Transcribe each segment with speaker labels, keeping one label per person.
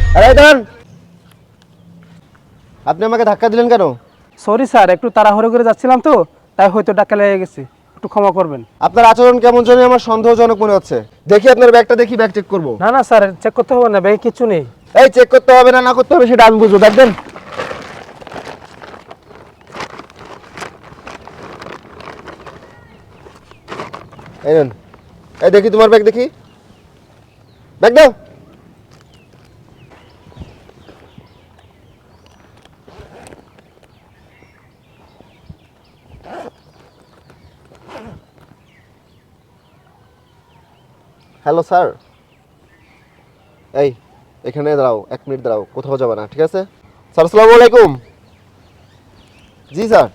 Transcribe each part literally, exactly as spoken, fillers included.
Speaker 1: আরে দাঁড়ান, আপনি আমাকে ধাক্কা দিলেন কেন?
Speaker 2: সরি স্যার, একটু তাড়াহুড়ো করে যাচ্ছিলাম তো, তাই হয়তো ধাক্কা লেগে গেছে, একটু ক্ষমা করবেন।
Speaker 1: আপনার আচরণ কেমন জানি আমার সন্দেহজনক মনে হচ্ছে। দেখি আপনার ব্যাগটা, দেখি ব্যাগ চেক করবো।
Speaker 2: না না স্যার, চেক করতে হবে না, ব্যাগে কিছু নেই।
Speaker 1: এই চেক করতে হবে না না করতে হবে সেটা আমি বুঝবো, দেখবেন। এই নেন, এই দেখি তোমার ব্যাগ, দেখি ব্যাগ দাও। হ্যালো স্যার, এই এখানে দাঁড়াও, এক মিনিট দাঁড়াও, কোথাও যাবে না, ঠিক আছে? স্যার আসসালামু আলাইকুম। জি স্যার।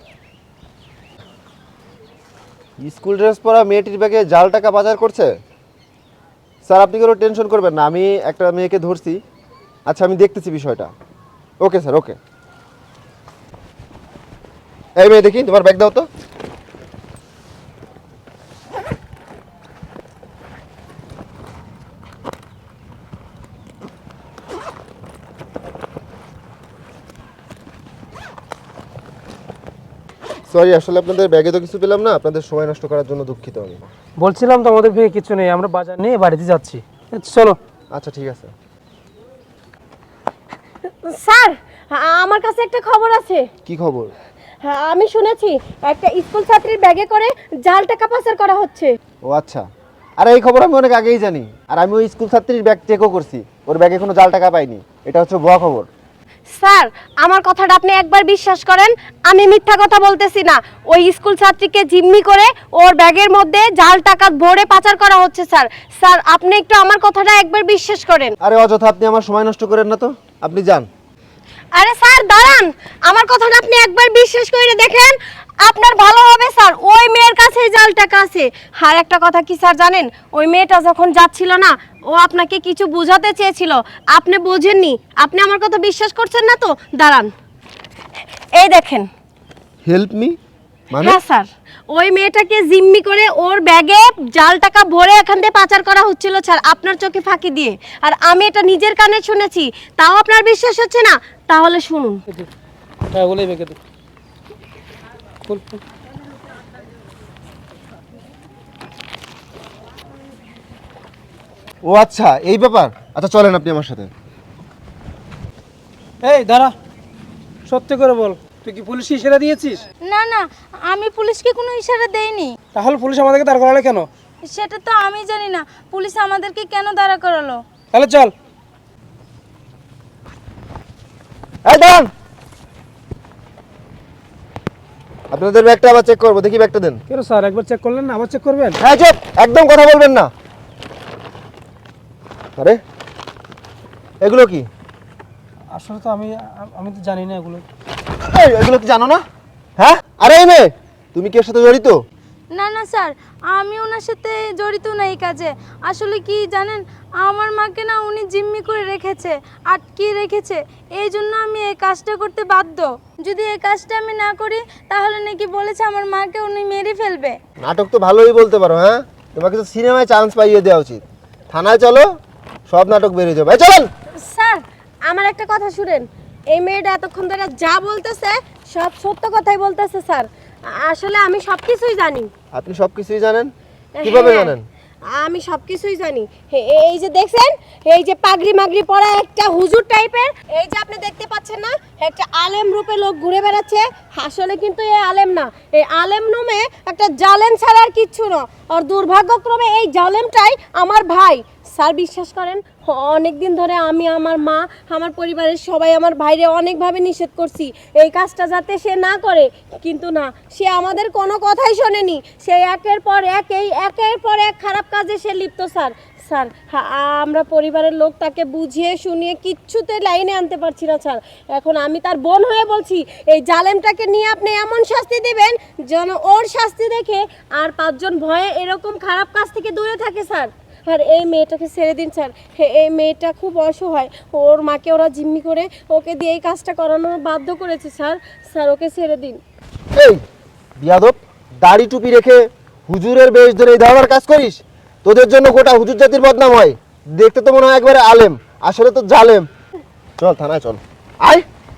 Speaker 1: স্কুল ড্রেস পরা মেয়েটির ব্যাগে জাল টাকা পাচার করছে? স্যার আপনি কোনো টেনশন করবেন না, আমি একটা মেয়েকে ধরছি। আচ্ছা আমি দেখতেছি বিষয়টা। Okay sir, okay. এই মেয়ে দেখি তোমার ব্যাগ দাও তো। সরি, আসলে আপনাদের ব্যাগে তো কিছু পেলাম না, আপনাদের সময় নষ্ট করার জন্য দুঃখিত আমি।
Speaker 2: বলছিলাম তো আমাদের ব্যাগে কিছু নেই, আমরা বাজার নিয়ে বাড়িতে যাচ্ছি। চলো।
Speaker 1: আচ্ছা ঠিক আছে।
Speaker 3: স্যার, আমার কাছে একটা খবর আছে।
Speaker 1: কি খবর?
Speaker 3: হ্যাঁ, আমি শুনেছি একটা স্কুল ছাত্রীর ব্যাগে করে জাল টাকা পাচার করা হচ্ছে।
Speaker 1: ও আচ্ছা, আরে এই খবর আমি অনেক আগেই জানি, আর আমি ওই স্কুল ছাত্রীর ব্যাগ চেকও করছি, ওর ব্যাগে কোনো জাল টাকা পাইনি। এটা হচ্ছে ভুয়া খবর।
Speaker 3: স্যার, আমার কথাটা আপনি একবার বিশ্বাস করেন, আমি মিথ্যা কথা বলতেছি না। ওই স্কুল ছাত্রীকে জিম্মি করে ওর ব্যাগের মধ্যে জাল টাকা ভরে পাচার করা হচ্ছে স্যার। স্যার আপনি একটু আমার কথাটা একবার বিশ্বাস করেন।
Speaker 1: আরে অযথা আপনি আমার সময় নষ্ট করেন না তো, আপনি যান।
Speaker 3: আরে স্যার দাঁড়ান, আমার কথাটা আপনি একবার বিশ্বাস করে দেখেন, আপনার ভালো হবে স্যার। ওই মেয়ের কাছে জাল টাকা আছে। আর একটা কথা কি স্যার জানেন, ওই মেয়েটা যখন যাচ্ছিল না, ও আপনাকে কিছু বোঝাতে চেয়েছিল, আপনি বোঝেননি। আপনি আমার কথা বিশ্বাস করছেন না তো, দাঁড়ান এই দেখেন।
Speaker 1: হেল্প মি মানে?
Speaker 3: হ্যাঁ স্যার, ওই মেয়েটাকে জিম্মি করে ওর ব্যাগে জাল টাকা ভরে এখান থেকে পাচার করা হচ্ছিল স্যার, আপনার চোখে ফাঁকি দিয়ে। আর আমি এটা নিজের কানে শুনেছি, তাও আপনার বিশ্বাস হচ্ছে না? তাহলে শুনুন।
Speaker 2: হ্যাঁ, ওগুলোই ব্যাগে দে। খুল, খুল।
Speaker 1: ও আচ্ছা, এই ব্যাপার। আচ্ছা চলেন আপনি আমার সাথে।
Speaker 2: এই দাঁড়া, সত্যি করে বল, তুই কি পুলিশ ইশারা দিয়েছিস?
Speaker 4: না না, আমি পুলিশকে কোনো ইশারা দেইনি।
Speaker 2: তাহলে পুলিশ আমাদেরকে দাঁড় করালে কেন?
Speaker 4: সেটা তো আমি জানি না, পুলিশ আমাদেরকে কেন দাঁড়া করালো।
Speaker 2: তাহলে চল।
Speaker 1: এই দাঁড়ান, আপনাদের ব্যাগটা আবার চেক করবো, দেখি ব্যাগটা দেন।
Speaker 2: কেন স্যার, একবার চেক করলেন না, আবার চেক করবেন?
Speaker 1: হ্যাঁ চুপ, একদম কথা বলবেন না। আরে এগুলো কি?
Speaker 2: আসলে তো আমি আমি তো জানি না এগুলো।
Speaker 1: এই, এগুলো কি জানো না? হ্যাঁ, আরে এই মেয়ে, তুমি কি এর সাথে জড়িত?
Speaker 4: না না স্যার, আমি ওনার সাথে জড়িত না এই কাজে। আসলে কি জানেন, আমার মাকে না উনি জিম্মি করে রেখেছে, আটকে রেখেছে, এই জন্য আমি এই কাজটা করতে বাধ্য। যদি এই কাজটা আমি না করি তাহলে নাকি বলেছে আমার মাকে উনি মেরে ফেলবে।
Speaker 1: নাটক তো ভালোই বলতে পারো। হ্যাঁ, তোমাকে তো সিনেমায় চান্স পাইয়ে দেওয়া উচিত। থানায় চলো, সব নাটক বেরিয়ে যাবে। এই চলেন।
Speaker 3: স্যার আমার একটা কথা শুনেন, এই মেয়েটা এতক্ষণ ধরে যা বলতেছে সব সত্য কথাই বলতেছে স্যার। আসলে আমি সব কিছুই জানি।
Speaker 1: আপনি সব কিছুই জানেন? কিভাবে
Speaker 3: হ্যাঁ,
Speaker 1: জানেন?
Speaker 3: আমি সব কিছুই জানি। হে- এই যে দেখছেন, এই যে পাগড়ি মাগড়ি পরা একটা হুজুর টাইপের, এই যে আপনি দেখতে পাচ্ছেন না, একটা আলেম রূপে লোক ঘুরে বেড়াচ্ছে। আসলে কিন্তু এই আলেম না, এই আলেম নামে একটা জালেম ছাড়া আর কিচ্ছু না। আর দুর্ভাগ্যক্রমে এই জালেমটাই আমার ভাই। স্যার বিশ্বাস করেন, অনেক দিন ধরে আমি, আমার মা, আমার পরিবারের সবাই আমার ভাইরে অনেকভাবে নিষেধ করছি এই কাজটা যাতে সে না করে, কিন্তু না, সে আমাদের কোনো কথাই শোনেনি। সে একের পর এক এই একের পর এক খারাপ কাজে সে লিপ্ত স্যার। স্যার হা- আমরা পরিবারের লোক তাকে বুঝিয়ে শুনিয়ে কিচ্ছুতে লাইনে আনতে পারছি না স্যার। এখন আমি তার বোন হয়ে বলছি, এই জালেমটাকে নিয়ে আপনি এমন শাস্তি দেবেন যেন ওর শাস্তি দেখে আর পাঁচজন ভয়ে এরকম খারাপ কাজ থেকে দূরে থাকে স্যার। আর এই মেয়েটাকে ছেড়ে দিন স্যার, এই মেয়েটা খুব অসহায়, ওর মাকে ওরা জিম্মি করে ওকে দিয়ে এই কাজটা করানোর বাধ্য করেছে স্যার। স্যার ওকে ছেড়ে দিন।
Speaker 1: এই বিয়াদব, দাড়ি টুপি রেখে হুজুরের বেশ ধরে এই ধরনের কাজ করিস? তোদের জন্য গোটা হুজুর জাতির বদনাম হয়। দেখতে তো মনে হয় একবারে আলেম, আসলে তো জালেম। চল থানায় চল আয়।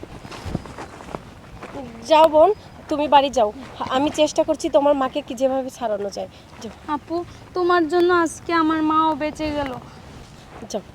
Speaker 3: যাও বোন, তুমি বাড়ি যাও, আমি চেষ্টা করছি তোমার মাকে কি যেভাবে ছাড়ানো যায়। যাও
Speaker 4: আপু তোমার জন্য আজকে আমার মাও বেঁচে গেল।
Speaker 3: যাও।